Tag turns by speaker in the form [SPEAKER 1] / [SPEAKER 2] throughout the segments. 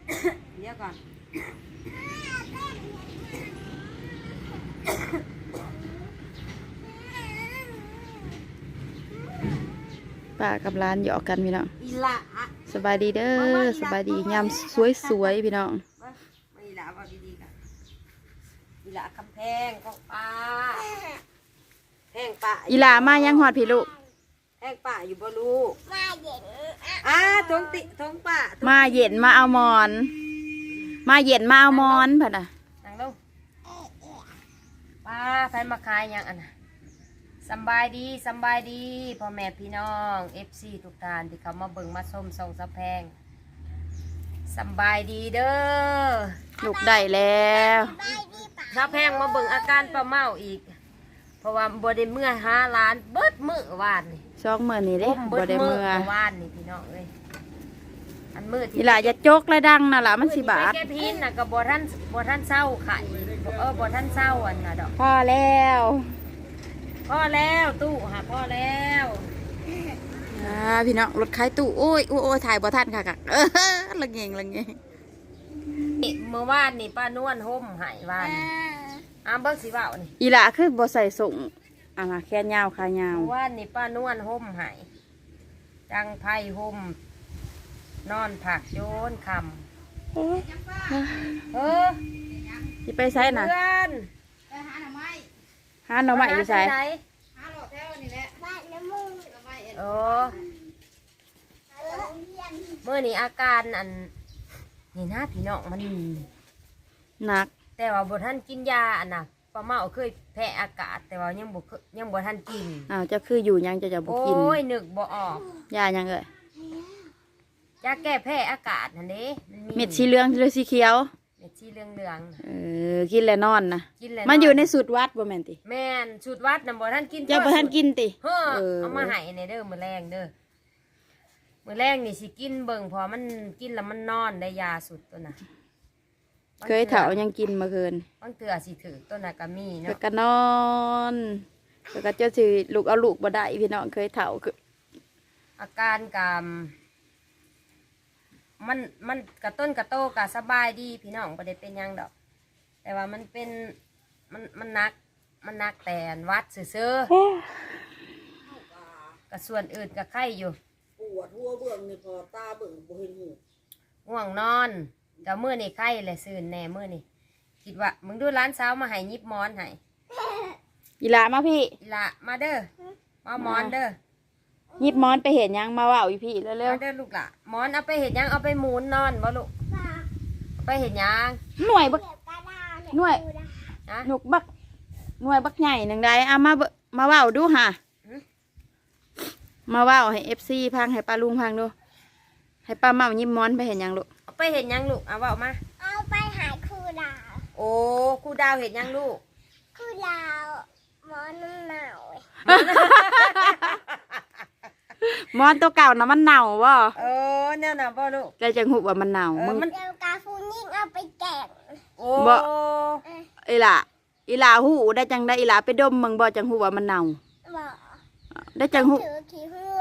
[SPEAKER 1] เดี๋ยวก่อน
[SPEAKER 2] ป้ากับร้านหยอกกันพี่น้อง
[SPEAKER 1] อีหละ
[SPEAKER 2] สบายดีเด้อสบายดียามสวยๆพี่น้อง
[SPEAKER 1] มาอีหละว่าดีๆกันอีหละคำแพงของป้าแพงป้า
[SPEAKER 2] อีหลามายังหอดพี่ลูก
[SPEAKER 1] แพงป้าอยู่บ่ลูกมาเย็นทงติทงป้า
[SPEAKER 2] มาเย็นมาเอาหมอน มาเย็นมาเอาหมอนพ่ะน่ะ
[SPEAKER 1] นั่งลงป้าใครมาขายยังอันน่ะสบายดีพ่อแม่พี่น้องFC ทุกท่านที่เขามาเบิ่งมาชมส่งสะแพงสบายดีเด้อ
[SPEAKER 2] ลูกได้แล้ว
[SPEAKER 1] สะแพงมาเบิ่งอาการป้าเมาอีก เพราะว่าบ่ได้เมื่อ5 ล้านเบิดมื้อวานนี่
[SPEAKER 2] ช่องเมื่อนี่เด้
[SPEAKER 1] เบิ
[SPEAKER 2] บ่
[SPEAKER 1] ด
[SPEAKER 2] ได้
[SPEAKER 1] มื้
[SPEAKER 2] เมื่อ
[SPEAKER 1] วานนี่พี่น้องเอ้ยอันมื้อที่
[SPEAKER 2] อีหลาอย่าจกและดังน่ะล่ะมันสิบาท
[SPEAKER 1] มื้อที่ไปแก้พินน่ะก็บ่ทันเศร้าไข่บ่ทันเศร้าอันน่ะดอก
[SPEAKER 2] พอแล้ว
[SPEAKER 1] พอแล้วตู้ค่ะพอแล้ว
[SPEAKER 2] พี่น้องรถขายตู้โอ้ยถ่ายบ่ทันค่ะละเงง
[SPEAKER 1] เมื่อวานนี่ป้านวลห่มหายวานเบิ้งสิเว้านี่
[SPEAKER 2] อีหลาคือบ่ใส่ส่งแค่ยาวขายาว
[SPEAKER 1] เมื่อวานนี่ป้านวลห่มหายจังไพ่ห่มนอนผักโยนคำ
[SPEAKER 2] สิไปใส่น่ะ
[SPEAKER 1] เพื่อน
[SPEAKER 2] หาหน่อไม้อยู่ใส่
[SPEAKER 1] โอ้เมื่อนี้อาการอันนี่นะพี่น้องมัน
[SPEAKER 2] หนัก
[SPEAKER 1] แต่ว่าบ่ท่านกินยาอันน่ะป้าเมาเคยแพ้อากาศแต่ว่ายังบ่ท่านกิน
[SPEAKER 2] เจะคืออยู่ยังจะบ่
[SPEAKER 1] โอ้
[SPEAKER 2] กิน
[SPEAKER 1] ยนึกบ่ออก
[SPEAKER 2] ยายังเอ่ย
[SPEAKER 1] ยาแก้แพ้อากาศนั่นเด้
[SPEAKER 2] เม็ดสีเหลืองหรือสีเขียว
[SPEAKER 1] เม็ดสีเหลือง
[SPEAKER 2] กินแล้วนอนนะ
[SPEAKER 1] กินแล้ว
[SPEAKER 2] มันอยู่ในสูตรวัดบ่แม่นติ
[SPEAKER 1] แม่นสูตรวัดน่ะบ่ท่านกิน
[SPEAKER 2] เจ้าบ่ทันกินติ
[SPEAKER 1] เฮ้อเอามาให้ในเด้อมื้อแรงเด้อมื้อแรงนี่สิกินเบิ่งพอมันกินแล้วมันนอนได้ยาสุดตัวน่ะ
[SPEAKER 2] เคยเถายังกินเมื่อคืน
[SPEAKER 1] บางเทื่อสิถือตัวน่ะก็มี
[SPEAKER 2] เพิ่น
[SPEAKER 1] เนาะ
[SPEAKER 2] ก็นอนเพิ่นก็เจ้าสิลูกเอาลูกบ่ได้พี่น้องเคยเถาคือ
[SPEAKER 1] อาการกามมันกระต้นกระโตกะสบายดีพี่น้องบ่ได้เป็นหยังดอก แต่ว่ามันเป็นมันนักแต่วัดซื่อๆกับส่วนอื่นกับไข้อยู่
[SPEAKER 3] ปวดหัวเบิ่งนี่พอตาเบิ่งบ่เห็นหู
[SPEAKER 1] ง่วงนอนกับมื้อนี่ไข้แหละซื่นแน่มื้อนี่คิดว่ามึงดูร้านสาวมาให้ยิบหมอนให้
[SPEAKER 2] อีหลามาพี่
[SPEAKER 1] อีละมาเด้อมาหมอนเด้อ
[SPEAKER 2] หยิบหมอนไปเห็นยังมาเว้าอีพี่เร็ว
[SPEAKER 1] มาเด้อลูกละหมอนเอาไปเห็ดหยังเอาไปหมุนนอนบ่ลูกเอาไปเห็ดหยัง
[SPEAKER 2] ๆหน่วยบักหน่วย
[SPEAKER 1] นะ
[SPEAKER 2] หนุกบักหน่วยบักใหญ่หนึงได้มาเว้าดูห่ะมาเว้าให้ FC พังให้ป้าลุงพังดูให้ป้าเมาหยิบหมอนไปเห็นยังลูก
[SPEAKER 1] เอาไปเห็ดหยังลูกเอาเว้ามา
[SPEAKER 4] เอาไปหาครูดาว
[SPEAKER 1] โอ้ครูดาวเห็ดหยังลูก
[SPEAKER 4] ครูดาวหมอน้ำหนาว
[SPEAKER 2] หมอนตัวเก่านะมันเน่าบ่
[SPEAKER 1] เออเนี่ยนะบ่ลูก
[SPEAKER 2] ได้จังหูว่ามันเน่ามึง
[SPEAKER 1] มัน
[SPEAKER 4] เดี๋ยวกาฟูนิ่งเอาไปแกง
[SPEAKER 1] โอ้
[SPEAKER 2] บ่ อีหล่าหูได้จังได้อีหล่าไปดมมึงบ่จังหูว่ามันเน่า
[SPEAKER 4] บอก
[SPEAKER 2] ได้จังหู
[SPEAKER 4] ถือขี้หัว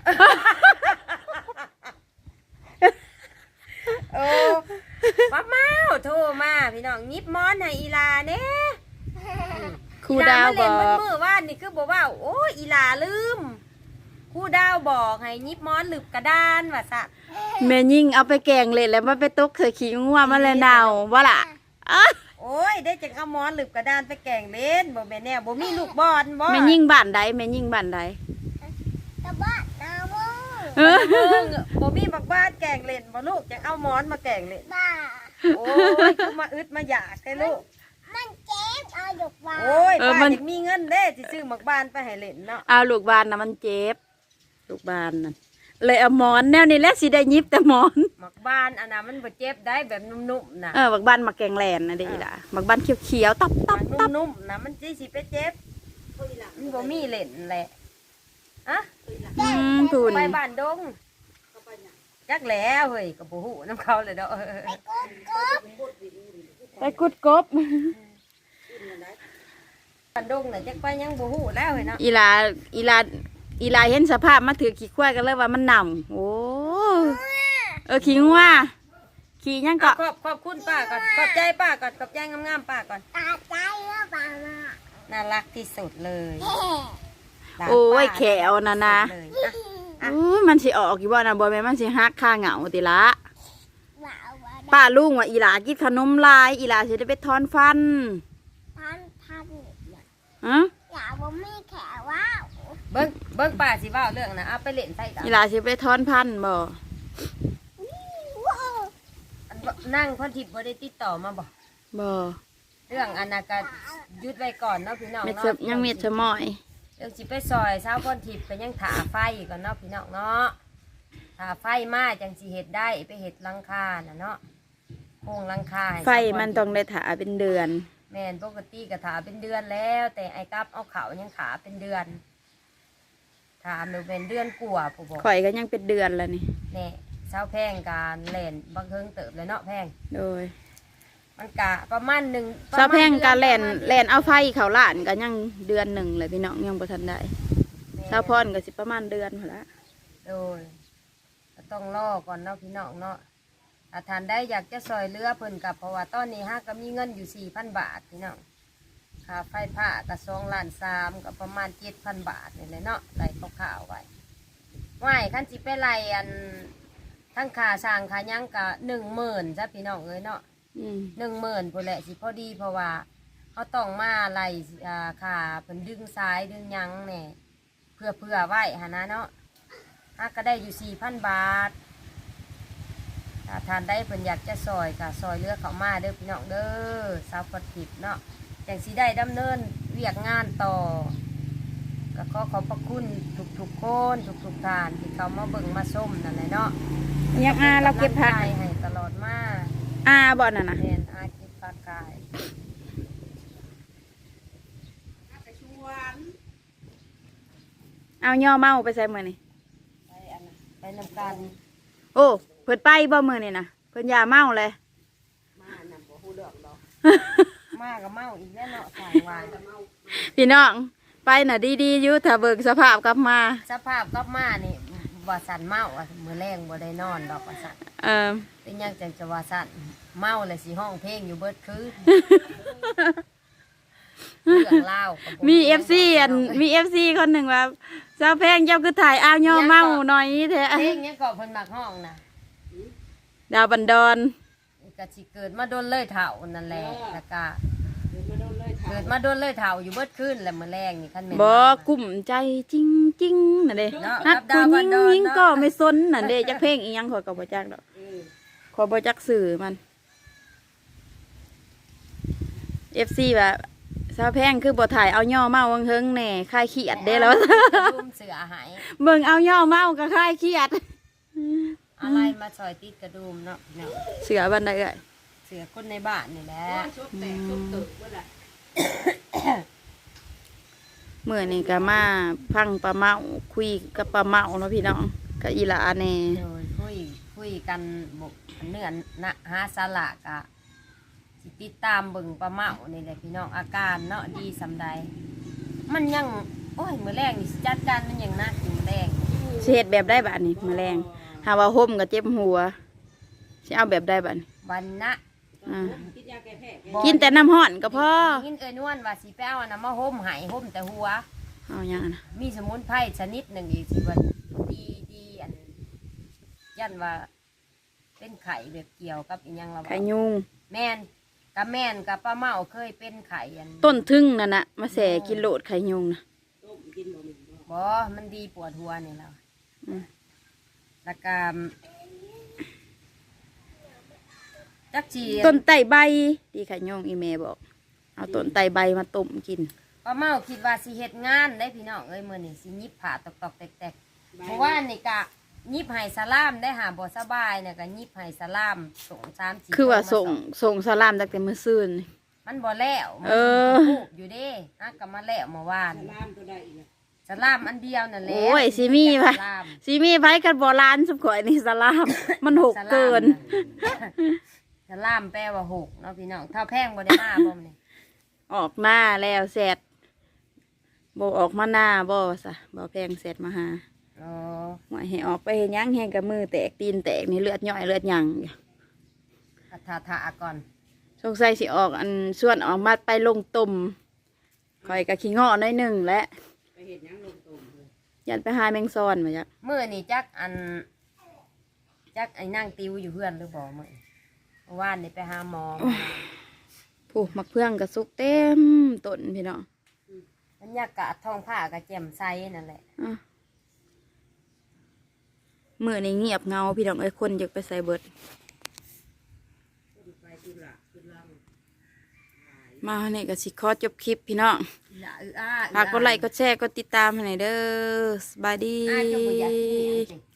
[SPEAKER 1] โอ้ป้าเมาโทรมาพี่น้องยิบหมอนให้อีลาเน่
[SPEAKER 2] ครูดาวบ
[SPEAKER 1] เล่
[SPEAKER 2] อน
[SPEAKER 1] มัน
[SPEAKER 2] ก
[SPEAKER 1] มือว่านนี่คือบอกว่าโอ้ยอีลาลืมครูดาวบอกให้ยิบหมอนหลืบกระดานว่าซะ
[SPEAKER 2] แม่ยิ่งเอาไปแกงเล่นแล้วมันไปตกใส่ขี้งัวมันเลยเน่าบ่ล่ะอ๊ะ
[SPEAKER 1] โอ้ยได้จังเอาหมอนหลืบกระดานไปแกล้งเล่นบ่แม่นแน่บ่มีลูกบอลบ่
[SPEAKER 2] แม่ยิ่งบ้านใดแม่ยิ่งบ้านใด
[SPEAKER 4] กระบ้านนาโว
[SPEAKER 2] เออ
[SPEAKER 1] เบิ่งบ่มีบักบ้านแกล้งเล่นบ่ลูกจังเอาหมอนมาแกล้งเล่น
[SPEAKER 4] บ้า
[SPEAKER 1] โอ้ยกูมาอึดมาอยากให้ลูก
[SPEAKER 4] มันเจ็บเอาหยกบ้า
[SPEAKER 1] โอ้ยป้าอยากมีเงินเด้สิซื้อบักบ้านไปให้เล่นเนาะ
[SPEAKER 2] เอาลูกบ้านน่ะมันเจ็บลูกบ้านน่ะเลยเอาหมอนแนวนี้แหละสิได้ยิบแต่หมอน
[SPEAKER 1] บักบ้านอันน่ะมันบ่เจ็บได้แบบนุ่มๆน่ะ
[SPEAKER 2] บักบ้านมาแกงแลนนะเด้ล่ะบักบ้านเขียวๆตับ
[SPEAKER 1] นุ่มๆนะมันสิไปเจ็บมันบ่มีเล่นแหละอะ
[SPEAKER 2] ทุน
[SPEAKER 1] ไปบ้านดงจักแล้วเฮ้ยก็บ่ฮู้น้ำเขาเลยเด้อ
[SPEAKER 2] ไปกุดกบ
[SPEAKER 1] บ้านดงน่ะจักไปยังบ่ฮู้แล้วเฮ้ยเนาะ
[SPEAKER 2] อีลาเห็นสภาพมาถือขี้ควายกันเลยว่ามันหนำโอ้ขี้งัวขี่ยัง
[SPEAKER 1] อ่ะ
[SPEAKER 2] เกาะ
[SPEAKER 1] ขอบคุณป้าก่อนขอบใจป้าก่อนขอบใจงามๆป้าก่อน
[SPEAKER 4] ตาใจแล้วป่ามา
[SPEAKER 1] น่ารักที่สุดเลยหลาน
[SPEAKER 2] โอ้ย
[SPEAKER 1] ป้า
[SPEAKER 2] แขวนะนะ
[SPEAKER 1] เลยอ่ะ
[SPEAKER 2] มันสิออกอยู่บ่นะบ่แม่นมันสิฮักค่าเหงาติละ
[SPEAKER 4] ว่าว่า
[SPEAKER 2] ป้าลุงว่าอีหลากินขนมลายอีหลาสิได้ไปถอนฟัน
[SPEAKER 4] ท่านเนี่ย
[SPEAKER 2] ฮะ
[SPEAKER 4] อย่าบ่มีแขวว้าว
[SPEAKER 1] เบิ้งป้าสิเว่าเรื่องนะเอาไปเล่นใส่กัน
[SPEAKER 2] อีหลาสิไปถอนพันธุ์บ่
[SPEAKER 4] ว้าว
[SPEAKER 1] นั่งพ่อทิพย์บ่ได้ติดต่อมาบอก
[SPEAKER 2] บ่
[SPEAKER 1] เรื่องอนนากายุดไว้ก่อนเนาะพี่น้อง
[SPEAKER 2] เม็ด
[SPEAKER 1] เนาะ
[SPEAKER 2] สะยังเม็ดสะมอย
[SPEAKER 1] เรื่องสิไปซอยเช้าพ่อทิพย์ก็ยังถาไฟก่อนเนาะพี่น้องเนาะถาไฟมาจังสิเฮ็ดได้ไปเฮ็ดหลังคาน่ะเนาะโครงหลังคาให้
[SPEAKER 2] ไฟมันต้องได้ถาเป็นเดือน
[SPEAKER 1] แม่นปกติก็ถาเป็นเดือนแล้ว แต่ไอ้กับเอาเขายังขาเป็นเดือนถามหนูเป็นเดือนกว่าผู้บอก
[SPEAKER 2] ข่อยก็ยังเป็นเดือนแล้วนี่
[SPEAKER 1] แน่เช้าแพงการเล่นบางเฮิงเติบเลยเนาะแพง
[SPEAKER 2] โดย
[SPEAKER 1] มันกะประมาณหนึ่ง
[SPEAKER 2] เช้าแพงการแล่น
[SPEAKER 1] ประมาณ
[SPEAKER 2] แล่นเอาไฟเขาล้านก็ยังเดือนหนึ่งเลยพี่น้องยังบ่ทันได้เช้าพรก็สิประมาณเดือนพุ่นละ
[SPEAKER 1] โดยก็ต้องรอก่อนเนาะพี่น้องเนาะถ้าทานได้อยากจะซอยเรือเพิ่นกับเพราะว่าตอนนี้ฮะก็มีเงินอยู่ 4,000 บาทพี่น้องค่าไฟผ้าก็2,300,000ก็ประมาณ 7,000 บาทนี่แหละเนาะไล่ข่าวๆไว้ว่ายคันสิไปไล่อันทั้งค่าสร้างค่าหยังก็10,000จ้ะพี่น้องเอ้ยเนาะ
[SPEAKER 2] อืม
[SPEAKER 1] 10,000พุ่นแหละสิพอดีเพราะว่าเขาต้องมาไล่ค่าเพิ่นดึงซ้ายดึงหยังแหน่เพื่อไว้หนนะเนาะฮะก็ได้อยู่ 4,000 บาทถ้าทานได้เพิ่นอยากจะซอยก็ซอยเรือเขามาเด้อพี่น้องเด้อสาวปฏิบเนาะจังสิได้ดำเนินเวียกงานต่อก็ขอขอบพระคุณทุกๆคนทุกๆท่านที่เขามาเบิ่งมาส้มนั่นแหละเนาะ
[SPEAKER 2] ยังอาเราเก็บผัก
[SPEAKER 1] ป็นำลังใจให้ตลอดมา
[SPEAKER 2] อาบ่นั่นน่ะ
[SPEAKER 1] เรียนอาชีพปากกาย
[SPEAKER 3] ไปชวน
[SPEAKER 2] เอาย่อเมาไปใส่มื้อนี่
[SPEAKER 1] ไปอันนั้นไปนำกัน
[SPEAKER 2] โอ้เพิ่นไปบ่มื้อนี่นะเพิ่นอย่าเมาเลย
[SPEAKER 3] มาน่ะบ่ฮู้เรื่องดอก
[SPEAKER 1] มากับเมาอีกแล้วเนาะสายวัน
[SPEAKER 2] พี่น้องไปน่ะดีๆอยู่ถ้าเบิกสภาพกลับมา
[SPEAKER 1] สภาพก็มานี่ว่าสันเมาอะมื้อแรงบ่ได้นอนดอกว่าสัน
[SPEAKER 2] เออ
[SPEAKER 1] เป็นหยังจังจะว่าสันเมาเลยสิห้องเพลงอยู่เบิดคืนเรื่องเล่าวก็บ่
[SPEAKER 2] มี FC อันมี FC คนหนึ่งว่าสาวแพงเจ้าคือถ่ายอ้าวย่อเมาหน่อยแท้
[SPEAKER 1] เพลงยังก็เพิ่นมักห้องนะ
[SPEAKER 2] ดาวบันดอน
[SPEAKER 1] ก็สิเกิดมาโดนเลยเฒ่านั่นแหละแล้วก็
[SPEAKER 3] เดี๋ยวไปโดนเลยถาม
[SPEAKER 1] เกิดมาโดนเลยเฒ่าอยู่เบิดคืนแล้วมื้อแรงนี่คันแม่น
[SPEAKER 2] บ่
[SPEAKER 1] เมานะ
[SPEAKER 2] กลุ่มใจจริงๆน่ะเด้
[SPEAKER 1] เนาะ
[SPEAKER 2] นัก
[SPEAKER 1] กับ
[SPEAKER 2] ผู้
[SPEAKER 1] ดาวบั
[SPEAKER 2] ยิ
[SPEAKER 1] น
[SPEAKER 2] ง
[SPEAKER 1] ดอน
[SPEAKER 2] ยิง
[SPEAKER 1] เนาะ
[SPEAKER 2] ก็ไม่สนน่ะเด้จักเพลงอีหยังขอยก็บ่จักดอก
[SPEAKER 3] เออ
[SPEAKER 2] ขอยบ่จักสื่อมัน FC ว่าสาวแพงคือบ่ถ่ายเอาย่อเมาวังเฮิงแหน่คลายเครียดเด้แล้ว
[SPEAKER 1] รุมเสือหาย
[SPEAKER 2] เบิ่งเอาย่อเมาก็คลายเครียด
[SPEAKER 1] อะไรมาซอยติดกระดุมเนาะเนาะ
[SPEAKER 2] เสือบันไดเอ้ย
[SPEAKER 1] เสือคนในบ้านนี่แหละ
[SPEAKER 3] ว่าชบแตกชบตึกว่าล่ะ
[SPEAKER 2] มื้อนี้ก็มาพังปลาเมาคุยกับปลาเมาเนาะพี่น้องกับอีหลาแน่
[SPEAKER 1] โดยคุยกันบกเนื้อนะหาสาระกะสิติดตามเบิ่งปลาเมานี่แหละพี่น้องอาการเนาะดีสำใดมันยังโอ้ยมื้อแรกนี่สิจัดการมันยังนักอยู่มื้อแรก
[SPEAKER 2] สิเฮ็ดแบบได้บัดนี้แมลงหาว่าห่มก็เจ็บหัวสิเอาแบบได้บัดนี้
[SPEAKER 1] วันนะ
[SPEAKER 2] อ่า
[SPEAKER 3] กินยาแก้แพ้แก
[SPEAKER 1] บ่
[SPEAKER 2] กินแต่น้ำห้อนก็พอ
[SPEAKER 1] กินเอ้ยนวลว่าสิไปเอาอันน้ำมาห่มใหายห่มแต่หัว
[SPEAKER 2] เอาหยังอะนะ
[SPEAKER 1] มีสมุนไพรชนิดหนึ่งอีกสิว่าดีอันยันว่า เป็นไข่แบบเกี่ยวกับอีหยังละ
[SPEAKER 2] ไข่ยุง
[SPEAKER 1] แม่นกับแม่นกับป้าเมาเคยเป็นไข่อัน
[SPEAKER 2] ต้นทึ่งนั่นน่ะมาแส่กินโลดไข่ยุงนะ
[SPEAKER 3] ต้มกินบ่มีบ่
[SPEAKER 1] บ่มันดีปวดหัวนี่แล้ว
[SPEAKER 2] อืม
[SPEAKER 1] แล้วก็จักจี
[SPEAKER 2] ต้นไตรใบดีไข่ยุงอีเมบอก เอาต้นไตรใบมาต้มกิน
[SPEAKER 1] ป้าเมาคิดว่าสิเฮ็ดงานได้พี่น้องเอ้ยมื้อนี้สิยิบผ่าตอกๆแตกๆเพราะว่านี่กะยิบให้สลามได้หาบ่สบายเนี่ยก็ยิบให้สลามส่ง3-4
[SPEAKER 2] คือว่า
[SPEAKER 1] โลมา
[SPEAKER 2] ส่งสลามตั้งแต่มื้อซื่นนี่
[SPEAKER 1] มันบ่แล้วมัน
[SPEAKER 2] เออ
[SPEAKER 1] ทูบอยู่เด้ฮักก็มาแล้วเมื่อวาน
[SPEAKER 3] สลามตัวใดอีกอะ
[SPEAKER 1] สลามอันเดียวนั่นแหละ
[SPEAKER 2] โอ้ยสิมีไผ
[SPEAKER 1] สลาม
[SPEAKER 2] สิมีไผกันบ่ล้านสุบข่อยนี่สลาม มันหกเกิน
[SPEAKER 1] สลามแปลว่าหกเนาะพี่น้องเท่าแพงบ่ได้มาบ่มื้อนี้
[SPEAKER 2] ออกหน้าแล้วแซดบ่ออกมาหน้าบ่ซะบ่แพงแซดมาหา
[SPEAKER 1] อ๋อ
[SPEAKER 2] หวยให้ออกไปเฮ็ดหยังแฮงกับมือแตกตีนแตกนี่เลือดย่อยเลือดหยังอยู่
[SPEAKER 1] ทาก่อน
[SPEAKER 2] สงสัยสิออกอันส่วนออกมาไปลงตุ่มคอยกะขี้เงาะน้อยหนึ่งและ
[SPEAKER 3] ไปเห็นยังลงตุ่มเลย
[SPEAKER 2] ยันไปหาแมงซอนมาจ้ะ
[SPEAKER 1] มื้อนี่จักไอ้นั่งติวอยู่เพื่อนหรือบ่มื้อเมื่อวานนี่ไปหาหมอ
[SPEAKER 2] ผู้มักเพื่องกระซุกเต็มต้นพี่น้อง
[SPEAKER 1] บรรยากาศท้องผ้าก็แจ่มใสนั่นแหละ
[SPEAKER 2] อ่ะมือนี่เงียบเงาพี่น้องเอ้ยคนอยากไปใส่เบิด
[SPEAKER 3] ต้นไปตุลาตุลัง
[SPEAKER 2] มาเนี่ยก็สิขอจบคลิปพี่น้อง
[SPEAKER 1] อย่าอื้ออ้า
[SPEAKER 2] ฝากกดไลค์กดแชร์กดติดตามให้หน่อยเด้อสบายดี
[SPEAKER 1] อ้าเจ้าบ่อยากกินอันนี้